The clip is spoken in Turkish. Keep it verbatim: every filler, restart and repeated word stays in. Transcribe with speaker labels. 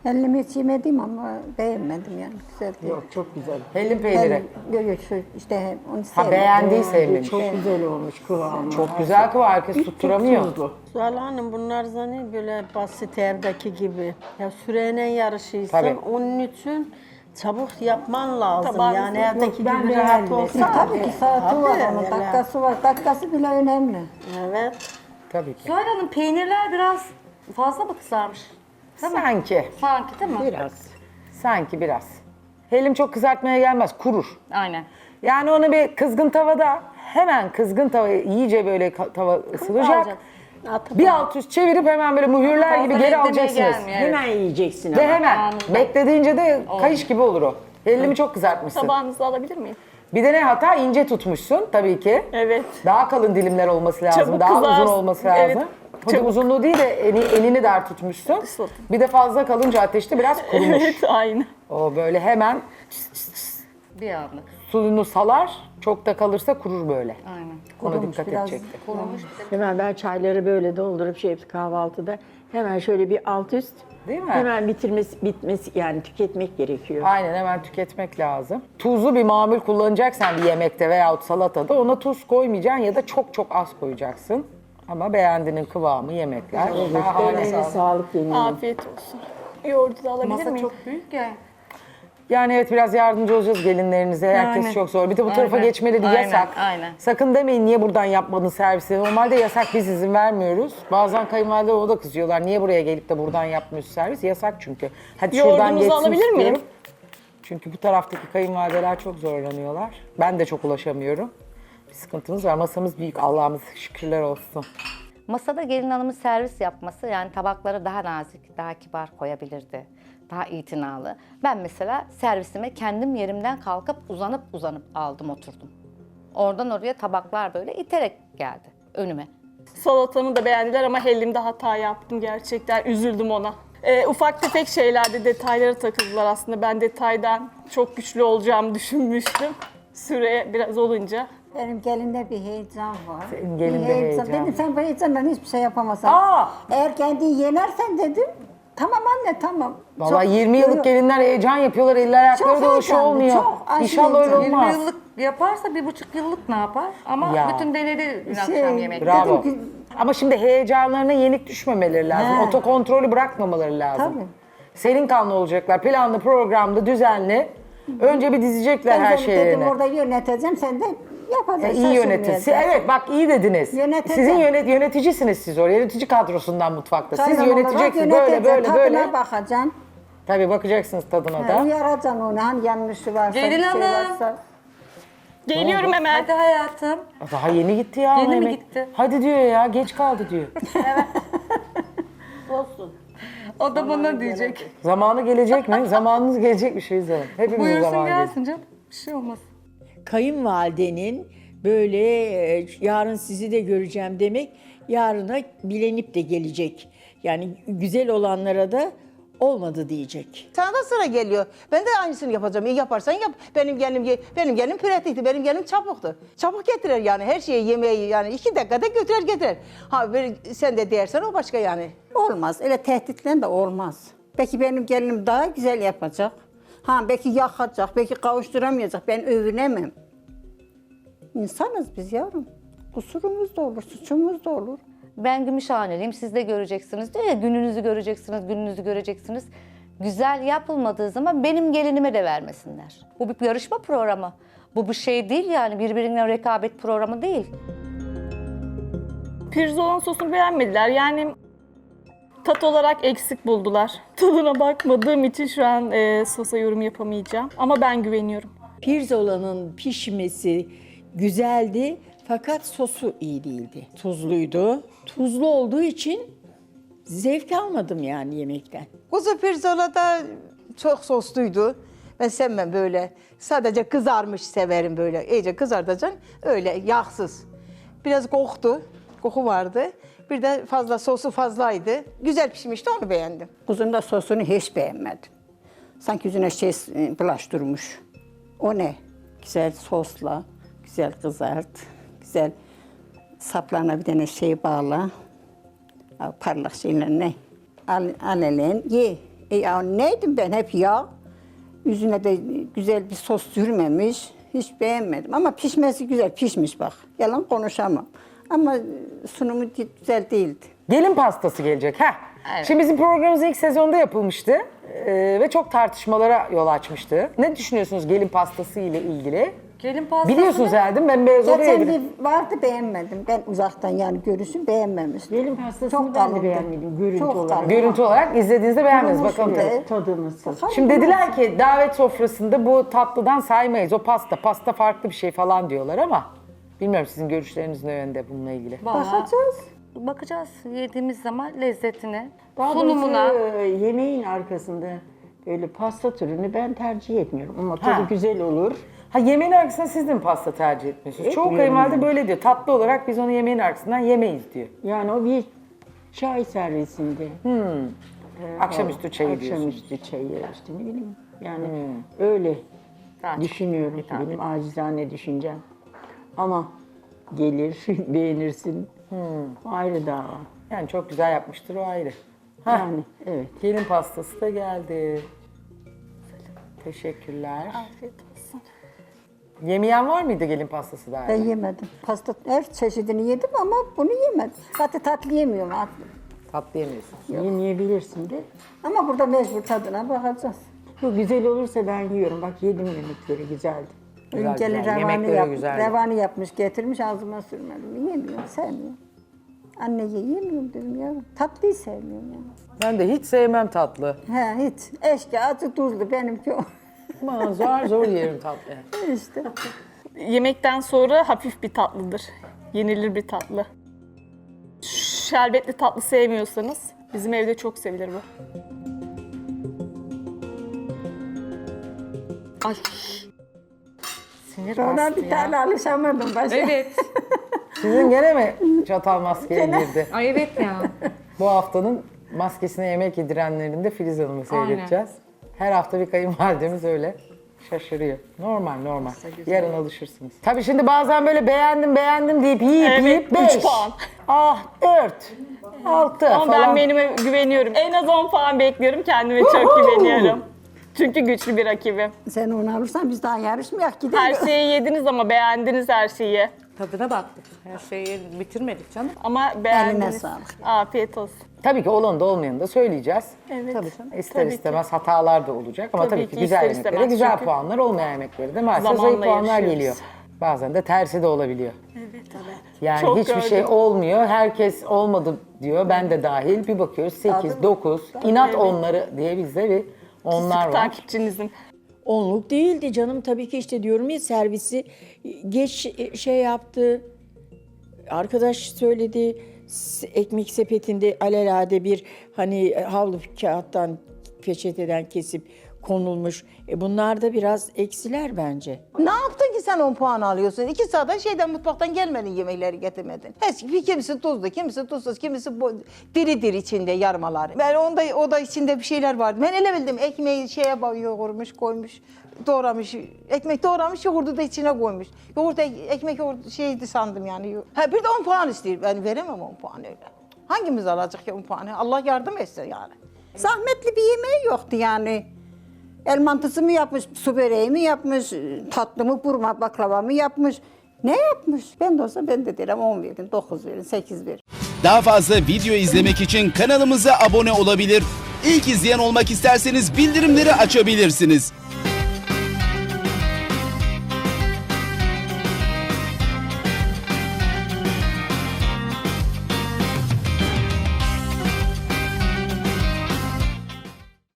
Speaker 1: Hellim hiç yemedim ama beğenmedim yani. Güzel değil.
Speaker 2: Yok çok güzel.
Speaker 3: Hellim peyniri.
Speaker 1: Yok yok şu işte onu
Speaker 3: Ha
Speaker 1: sevmedim.
Speaker 3: beğendiği sevmemiş.
Speaker 2: Çok güzel olmuş kıvamı.
Speaker 3: Çok güzel kıvam, herkes tutturamıyor.
Speaker 2: Tuzlu.
Speaker 4: Zuhal Hanım bunlar zannediyor böyle basit evdeki gibi. Ya süreyle yarışıysan
Speaker 3: Tabii.
Speaker 4: onun için çabuk yapman lazım.
Speaker 5: Tabii.
Speaker 4: Yani
Speaker 5: Yok,
Speaker 4: evdeki
Speaker 2: ben
Speaker 4: gibi rahat
Speaker 2: beğendim.
Speaker 4: olsa.
Speaker 1: E, tabii ki saati var
Speaker 4: Tabii,
Speaker 1: onun,
Speaker 4: öyle.
Speaker 1: dakikası var. Dakikası bile önemli.
Speaker 4: Evet.
Speaker 3: Tabii ki.
Speaker 5: Zuhal Hanım peynirler biraz fazla mı kızarmış?
Speaker 3: Sanki,
Speaker 5: Sanki değil mi?
Speaker 2: Biraz.
Speaker 3: sanki biraz. Hellim çok kızartmaya gelmez, kurur.
Speaker 5: Aynen.
Speaker 3: Yani onu bir kızgın tavada, hemen kızgın tava iyice böyle ka- tava ısınacak.
Speaker 5: alacak.
Speaker 3: Bir alt üst çevirip hemen böyle mühürler gibi
Speaker 5: Fazla
Speaker 3: geri
Speaker 5: beklemeye
Speaker 3: alacaksınız.
Speaker 5: gelmiyor, evet.
Speaker 2: Hemen yiyeceksin
Speaker 3: Ve
Speaker 2: ama.
Speaker 3: hemen
Speaker 5: Anında.
Speaker 3: beklediğince de kayış gibi olur o. Hellimi çok kızartmışsın.
Speaker 5: Tabağınızı alabilir miyim?
Speaker 3: Bir de ne hata, ince tutmuşsun tabii ki.
Speaker 5: Evet.
Speaker 3: Daha kalın dilimler olması lazım,
Speaker 5: Çabuk
Speaker 3: daha
Speaker 5: kızarsın.
Speaker 3: uzun olması lazım.
Speaker 5: Evet,
Speaker 3: Pudim
Speaker 5: çabuk.
Speaker 3: uzunluğu değil de eni- elini dar tutmuşsun. Bir de fazla kalınca ateşte biraz kurumuş.
Speaker 5: Evet, aynı.
Speaker 3: O böyle hemen
Speaker 5: Bir anda.
Speaker 3: suyunu salar, çok da kalırsa kurur böyle.
Speaker 5: Aynen.
Speaker 3: Ona
Speaker 1: Kurumuş
Speaker 3: dikkat
Speaker 1: biraz.
Speaker 3: edecekti.
Speaker 5: Kurumuş bir de.
Speaker 2: Hemen ben çayları böyle doldurup şey yapıp kahvaltıda hemen şöyle bir alt üst.
Speaker 3: Değil mi?
Speaker 2: Hemen bitirmesi, bitmesi yani tüketmek gerekiyor.
Speaker 3: Aynen, hemen tüketmek lazım. Tuzlu bir mamul kullanacaksan bir yemekte veyahut salatada ona tuz koymayacaksın ya da çok çok az koyacaksın. Ama beğendiğinin kıvamı yemekler. Şahane.
Speaker 2: Ellerine sağlık yemin.
Speaker 5: Afiyet olsun. Yoğurdu da alabilir
Speaker 6: Masa
Speaker 5: miyim?
Speaker 6: çok büyük ya.
Speaker 3: Yani evet, biraz yardımcı olacağız gelinlerinize. Herkes
Speaker 5: Yani.
Speaker 3: çok zor. Bir de bu tarafa
Speaker 5: Aynen.
Speaker 3: geçmeleri
Speaker 5: Aynen,
Speaker 3: yasak.
Speaker 5: aynen.
Speaker 3: Sakın demeyin niye buradan yapmadın servisi. Normalde yasak, biz izin vermiyoruz. Bazen kayınvalide o da kızıyorlar. Niye buraya gelip de buradan yapmıyorsun servis? Yasak çünkü. Hadi şuradan
Speaker 5: Yoğurdunuzu
Speaker 3: geçsin
Speaker 5: alabilir miyim?
Speaker 3: istiyorum. Çünkü bu taraftaki kayınvalideler çok zorlanıyorlar. Ben de çok ulaşamıyorum. Bir sıkıntımız var. Masamız büyük. Allah'ımız şükürler olsun.
Speaker 7: Masada gelin hanımın servis yapması, yani tabakları daha nazik, daha kibar koyabilirdi. Daha itinalı. Ben mesela servisime kendim yerimden kalkıp uzanıp uzanıp aldım oturdum. Oradan oraya tabaklar böyle iterek geldi önüme.
Speaker 5: Salatamı da beğendiler ama hellimde hata yaptım gerçekten. Üzüldüm ona. Ee, ufak tefek şeylerde detaylara takıldılar aslında. Ben detaydan çok güçlü olacağımı düşünmüştüm. Süre biraz olunca.
Speaker 1: Benim gelinde bir heyecan var.
Speaker 3: Senin gelinde
Speaker 1: Bir
Speaker 3: heyecan.
Speaker 1: Dedim sen bu heyecandan hiçbir şey yapamazsın.
Speaker 3: Aa!
Speaker 1: Eğer kendini yenersen dedim. Tamam anne tamam.
Speaker 3: Vallahi
Speaker 1: Çok-
Speaker 3: yirmi
Speaker 1: Yok,
Speaker 3: yıllık gelinler heyecan yapıyorlar. Eller ayakları
Speaker 1: Çok
Speaker 3: da hoş
Speaker 1: heyecanlı,
Speaker 3: olmuyor.
Speaker 1: çok aşırı
Speaker 3: İnşallah öyle
Speaker 1: heyecanlı.
Speaker 3: olmaz.
Speaker 6: yirmi yıllık yaparsa bir buçuk yıllık ne yapar? Ama
Speaker 3: Ya.
Speaker 6: bütün denedi dün
Speaker 1: Şey,
Speaker 6: akşam yemekte.
Speaker 3: Bravo.
Speaker 1: Dedim ki-
Speaker 3: Ama şimdi heyecanlarına yenik düşmemeleri lazım.
Speaker 1: He.
Speaker 3: Otokontrolü bırakmamaları lazım.
Speaker 1: Tabii.
Speaker 3: Senin kanlı olacaklar. Planlı, programlı, düzenli. Önce bir dizecekler
Speaker 1: Ben
Speaker 3: her
Speaker 1: de
Speaker 3: şeylerini.
Speaker 1: dedim orada yöneteceğim sen de yapacaksın.
Speaker 3: iyi yöneticisi. Evet bak, iyi dediniz.
Speaker 1: Yöneteceğim.
Speaker 3: Sizin yönet yöneticisiniz siz orada. Yönetici kadrosundan mutfakta. Siz
Speaker 1: Çaydan olarak
Speaker 3: yöneteceksiniz böyle
Speaker 1: yöneteceğim,
Speaker 3: böyle
Speaker 1: tadına
Speaker 3: böyle.
Speaker 1: bakacaksın.
Speaker 3: Tabii bakacaksınız tadına
Speaker 1: Ha,
Speaker 3: da.
Speaker 1: uyaracaksın onu hani yanlışı varsa
Speaker 6: Gelin
Speaker 1: bir şey
Speaker 6: hanım.
Speaker 1: varsa.
Speaker 5: Geliyorum hemen.
Speaker 6: Hadi hayatım.
Speaker 3: Daha yeni gitti ya.
Speaker 6: Yeni mi
Speaker 3: yemek.
Speaker 6: gitti?
Speaker 3: Hadi diyor ya, geç kaldı diyor.
Speaker 4: Olsun.
Speaker 6: O da bana diyecek.
Speaker 3: Zamanı gelecek mi? Zamanınız gelecek bir şey izleyin. Hepimizin
Speaker 6: Buyursun
Speaker 3: zamanı gelecek.
Speaker 6: gelsin canım. Bir şey olmaz.
Speaker 2: Kayınvalidenin böyle e, yarın sizi de göreceğim demek, yarına bilenip de gelecek. Yani güzel olanlara da olmadı diyecek.
Speaker 8: Sana da sıra geliyor. Ben de aynısını yapacağım. İyi yaparsan yap. Benim gelim benim gelim pratikti. Benim gelim çabuktu. Çabuk getirir yani her şeyi yemeği yani iki dakikada götürür getirir. Ha böyle sen de dersen o başka yani.
Speaker 1: Olmaz. Öyle tehditle de olmaz. Belki benim gelinim daha güzel yapacak. Ha belki yakacak, belki kavuşturamayacak. Ben övünemem. İnsanız biz yavrum. Kusurumuz da olur, suçumuz da olur.
Speaker 7: Ben Gümüşhaneliyim, siz de göreceksiniz diyor ya, gününüzü göreceksiniz, gününüzü göreceksiniz. Güzel yapılmadığı zaman benim gelinime de vermesinler. Bu bir yarışma programı. Bu bir şey değil yani, birbirine rekabet programı değil.
Speaker 5: Pirzolan sosunu beğenmediler. Yani tat olarak eksik buldular. Tadına bakmadığım için şu an e, sosa yorum yapamayacağım. Ama ben güveniyorum.
Speaker 2: Pirzolanın pişmesi güzeldi fakat sosu iyi değildi. Tuzluydu. Tuzlu olduğu için zevk almadım yani yemekten.
Speaker 8: Kuzu pirzola da çok sosluydu. Ben sevmem böyle. Sadece kızarmış severim böyle. İyice kızartacaksın. Öyle yağsız. Biraz koktu. Koku vardı. Bir de fazla sosu fazlaydı. Güzel pişmişti, onu beğendim.
Speaker 1: Kuzun da sosunu hiç beğenmedim. Sanki yüzüne şey e, bulaştırmış. O ne? Güzel sosla, güzel kızart, güzel saplarına bir tane şey bağla. Parlak şeyler ne? Al, al elen, ye. E ya neydim ben hep yağ. Yüzüne de güzel bir sos sürmemiş. Hiç beğenmedim ama pişmesi güzel pişmiş bak. Yalan konuşamam. Ama sunumu güzel değildi.
Speaker 3: Gelin pastası gelecek. Heh. Şimdi bizim programımız ilk sezonda yapılmıştı ee, ve çok tartışmalara yol açmıştı. Ne düşünüyorsunuz gelin pastası ile ilgili?
Speaker 6: Gelin pastası
Speaker 3: Biliyorsunuz
Speaker 6: ne?
Speaker 3: herhalde ben beyaz oraya
Speaker 1: Geçen
Speaker 3: yedim.
Speaker 1: bir vardı beğenmedim. Ben uzaktan yani görüşüm beğenmemiştim.
Speaker 2: Gelin pastasını
Speaker 1: Çok
Speaker 2: ben de
Speaker 1: kalındı.
Speaker 2: beğenmedim, görüntü
Speaker 1: Çok
Speaker 2: olarak.
Speaker 1: kalın.
Speaker 3: Görüntü olarak izlediğinizde beğenmediniz. Bakalım tabii.
Speaker 1: Evet.
Speaker 2: Tadı nasıl?
Speaker 3: Şimdi dediler ki davet sofrasında bu tatlıdan saymayız. O pasta, pasta farklı bir şey falan diyorlar ama bilmiyorum sizin görüşleriniz ne yönde bununla ilgili.
Speaker 6: Vallahi
Speaker 1: Bakacağız.
Speaker 6: bakacağız yediğimiz zaman lezzetine,
Speaker 2: Daha
Speaker 6: sunumuna.
Speaker 2: doğrusu, e, yemeğin arkasında böyle pasta türünü ben tercih etmiyorum ama tadı
Speaker 3: Ha.
Speaker 2: güzel olur.
Speaker 3: Ha yemeğin arkasından siz de mi pasta tercih etmiyorsunuz? Çoğu
Speaker 2: Etmiyorum
Speaker 3: kayınvalide
Speaker 2: yani.
Speaker 3: böyle diyor. Tatlı olarak biz onu yemeğin arkasından yemeyiz diyor.
Speaker 2: Yani o bir çay servisinde.
Speaker 3: Akşamüstü çayı diyorsunuz.
Speaker 2: Akşamüstü çayı işte ne bileyim. Yani öyle
Speaker 6: Daha çok
Speaker 2: düşünüyorum ki
Speaker 6: hitap
Speaker 2: benim acizane düşüncem. Ama gelir, beğenirsin. O ayrı dava.
Speaker 3: Yani çok güzel yapmıştır o ayrı. Ha.
Speaker 2: Yani evet.
Speaker 3: Gelin pastası da geldi. Teşekkürler.
Speaker 5: Afiyet olsun.
Speaker 3: Yemeyen var mıydı gelin pastası daha?
Speaker 1: Ben yemedim. Pasta her çeşidini yedim ama bunu yemedim. Zaten tatlı yemiyorum artık.
Speaker 3: Tatlı yemiyorsunuz.
Speaker 2: Yemeyebilirsin de.
Speaker 1: Ama burada mecbur tadına bakacağız.
Speaker 2: Bu güzel olursa ben yiyorum. Bak yedim yemekleri güzeldi.
Speaker 3: Güzel,
Speaker 1: İnceli
Speaker 3: güzel.
Speaker 1: revani,
Speaker 3: Yemekleri
Speaker 1: yap,
Speaker 3: güzeldi.
Speaker 1: revani yapmış, getirmiş ağzıma sürmedim. Yemiyorum, sevmiyorum. Anne ye, yemiyorum dedim ya. Tatlıyı sevmiyorum ya.
Speaker 3: Ben de hiç sevmem tatlı.
Speaker 1: He hiç. Eşki, acı, tuzlu benimki o.
Speaker 3: Ama zor zor yerim tatlı.
Speaker 1: işte.
Speaker 5: Yemekten sonra hafif bir tatlıdır. Yenilir bir tatlı. Şerbetli tatlı sevmiyorsanız bizim evde çok sevilir bu.
Speaker 6: Ay. Sinir
Speaker 1: Sonra
Speaker 6: bastı
Speaker 1: bir
Speaker 6: ya.
Speaker 1: tane alışamadım başka.
Speaker 6: Evet.
Speaker 3: Sizin gene mi çatal maskeye girdi?
Speaker 6: Ay evet ya.
Speaker 3: Bu haftanın maskesine yemek yedirenlerinde Filiz Hanım'ı seyredeceğiz. Her hafta bir kayınvalidemiz öyle şaşırıyor. Normal normal. Yarın alışırsınız. Tabii şimdi bazen böyle beğendim beğendim deyip yiyip
Speaker 5: Evet,
Speaker 3: yiyip
Speaker 5: üç
Speaker 3: beş.
Speaker 5: puan.
Speaker 3: Ah dört. Altı
Speaker 5: Ama
Speaker 3: falan.
Speaker 5: ben menüme güveniyorum. En az on puan bekliyorum. Kendime çok güveniyorum. Çünkü güçlü bir rakibim.
Speaker 1: Sen onu alırsan biz daha yarışmayak gidelim.
Speaker 5: Her şeyi yediniz ama beğendiniz her şeyi.
Speaker 6: Tadına baktık. Her şeyi bitirmedik canım.
Speaker 5: Ama
Speaker 1: Eline
Speaker 5: beğendiniz.
Speaker 1: sağlık.
Speaker 5: Afiyet olsun.
Speaker 3: Tabii ki olan da olmayanı da söyleyeceğiz.
Speaker 5: Evet.
Speaker 3: İster
Speaker 5: Tabii ki.
Speaker 3: istemez hatalar da olacak ama tabii,
Speaker 5: Tabii
Speaker 3: ki
Speaker 5: ki,
Speaker 3: güzel
Speaker 5: ister
Speaker 3: yemeklere
Speaker 5: istemez
Speaker 3: güzel
Speaker 5: çünkü
Speaker 3: puanlar, olmayan yemeklere de maalesef
Speaker 5: zamanla
Speaker 3: zayıf puanlar
Speaker 5: yarışıyoruz.
Speaker 3: geliyor. Bazen de tersi de olabiliyor.
Speaker 5: Evet, evet.
Speaker 3: Yani
Speaker 5: Çok
Speaker 3: hiçbir
Speaker 5: gördüm.
Speaker 3: şey olmuyor, herkes olmadı diyor, ben de dahil. Bir bakıyoruz sekiz, dokuz, inat onları diye bizde bir onlar var.
Speaker 5: Takipçinizin.
Speaker 2: Onluk değildi canım tabii ki işte diyorum ya servisi geç şey yaptı. Arkadaş söyledi s- ekmek sepetinde alelade bir hani havlu kağıttan peçeteden kesip konulmuş. E bunlar da biraz eksiler bence.
Speaker 8: Ne yaptın ki sen on puan alıyorsun? İki saat şeyden mutfaktan gelmedin yemekleri getirmedin. Hiç, kimisi tuzlu, kimisi tuzsuz, kimisi bo- diri diri içinde yarmaları. Ben onda o da içinde bir şeyler vardı. Ben ele bildim ekmeği şeye bak yoğurmuş, koymuş, doğramış. Ekmek doğramış, yoğurdu da içine koymuş. Yoğurt ekmek yoğurt şeydi sandım yani. Ha bir de on puan istiyor. Ben veremem on puan öyle. Hangimiz alacak ya on puanı? Allah yardım etsin yani.
Speaker 1: Zahmetli bir yemeği yoktu yani. El mantısı mı yapmış, su böreği mi yapmış, tatlı mı, burma baklava mı yapmış? Ne yapmış? Ben de olsa ben de derim on verin, dokuz verin, sekiz verin.
Speaker 9: Daha fazla video izlemek için kanalımıza abone olabilir. İlk izleyen olmak isterseniz bildirimleri açabilirsiniz.